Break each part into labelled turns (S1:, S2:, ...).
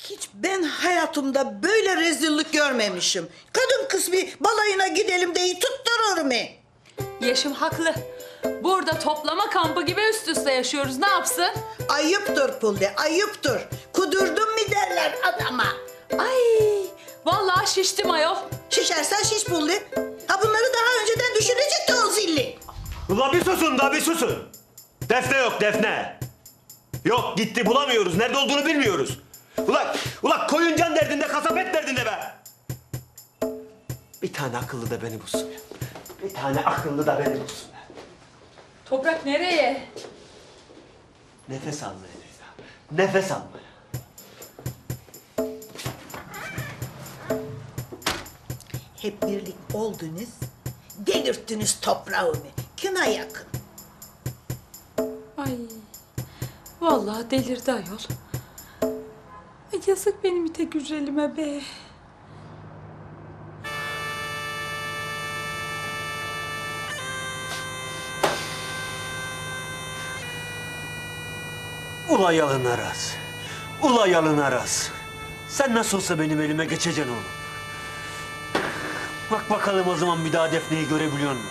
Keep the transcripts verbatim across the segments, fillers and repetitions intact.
S1: Hiç ben hayatımda böyle rezillik görmemişim. Kadın kız bir balayına gidelim deyi tutturur mu?
S2: Yeşim haklı. Burada toplama kampı gibi üst üste yaşıyoruz. Ne yapsın?
S1: Ayıptır Pulde, ayıptır. Kudurdun mu derler adama.
S2: Ay, vallahi şiştim ayol.
S1: Şişersen şiş Pulde. Ha bunları daha önceden düşünecekti o zilli.
S3: Ula bir susun da bir susun. Defne yok Defne. Yok gitti bulamıyoruz. Nerede olduğunu bilmiyoruz. Ula, ula koyun can derdinde kasap et derdinde be. Bir tane akıllı da beni bulsun ya. Bir tane akıllı da beni bulsun ya.
S2: Toprak nereye?
S3: Nefes almaya Leyla. Nefes almaya.
S1: Hep birlik oldunuz, delirttiniz toprağımı. Kına yakın.
S2: Ay, vallahi delirdi ayol. Ay yazık benim ite güzelime be.
S3: Ula yalın araz. Ula yalın araz. Sen nasıl olsa benim elime geçeceksin oğlum. Bak bakalım o zaman bir daha Defne'yi görebiliyor musun?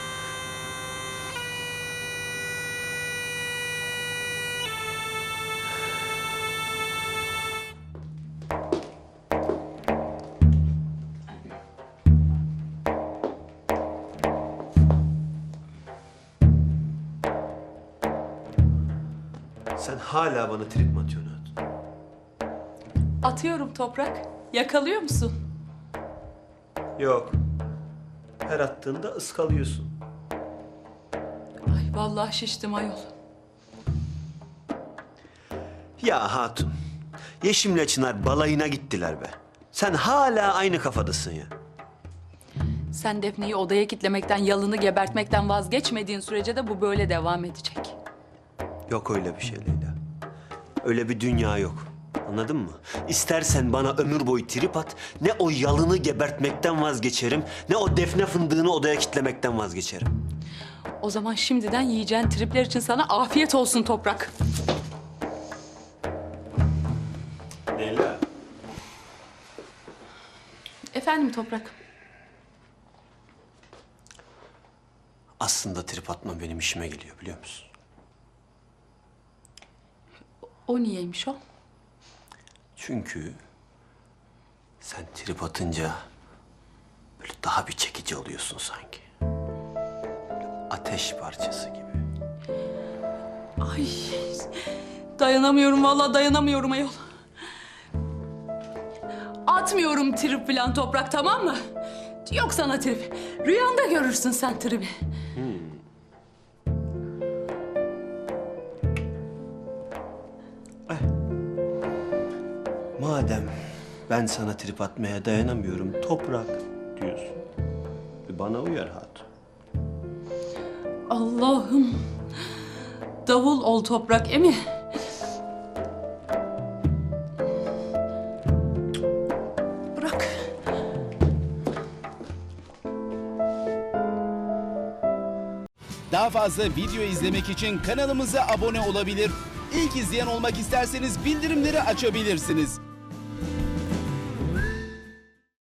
S3: Sen hala bana trip mi atıyorsun Hatun?
S2: Atıyorum Toprak. Yakalıyor musun?
S3: Yok. Her attığında ıskalıyorsun.
S2: Ay vallahi şiştim ayol.
S3: Ya Hatun, Yeşim'le Çınar balayına gittiler be. Sen hala aynı kafadasın ya.
S2: Sen Defne'yi odaya kitlemekten, yalını gebertmekten vazgeçmediğin sürece de bu böyle devam edecek.
S3: Yok öyle bir şey Leyla. Öyle bir dünya yok. Anladın mı? İstersen bana ömür boyu trip at, ne o yalını gebertmekten vazgeçerim, ne o defne fındığını odaya kitlemekten vazgeçerim.
S2: O zaman şimdiden yiyeceğin tripler için sana afiyet olsun Toprak.
S3: Leyla.
S2: Efendim Toprak?
S3: Aslında trip atma benim işime geliyor biliyor musun?
S2: O niyeymiş o?
S3: Çünkü sen trip atınca böyle daha bir çekici oluyorsun sanki. Böyle ateş parçası gibi.
S2: Ay dayanamıyorum vallahi dayanamıyorum ayol. Atmıyorum trip falan Toprak, tamam mı? Yok sana trip. Rüyanda görürsün sen tribi.
S3: Madem ben sana trip atmaya dayanamıyorum, toprak diyorsun. E bana uyar Hatun.
S2: Allah'ım. Davul ol Toprak, emi. Bırak.
S4: Daha fazla video izlemek için kanalımıza abone olabilir. İlk izleyen olmak isterseniz bildirimleri açabilirsiniz.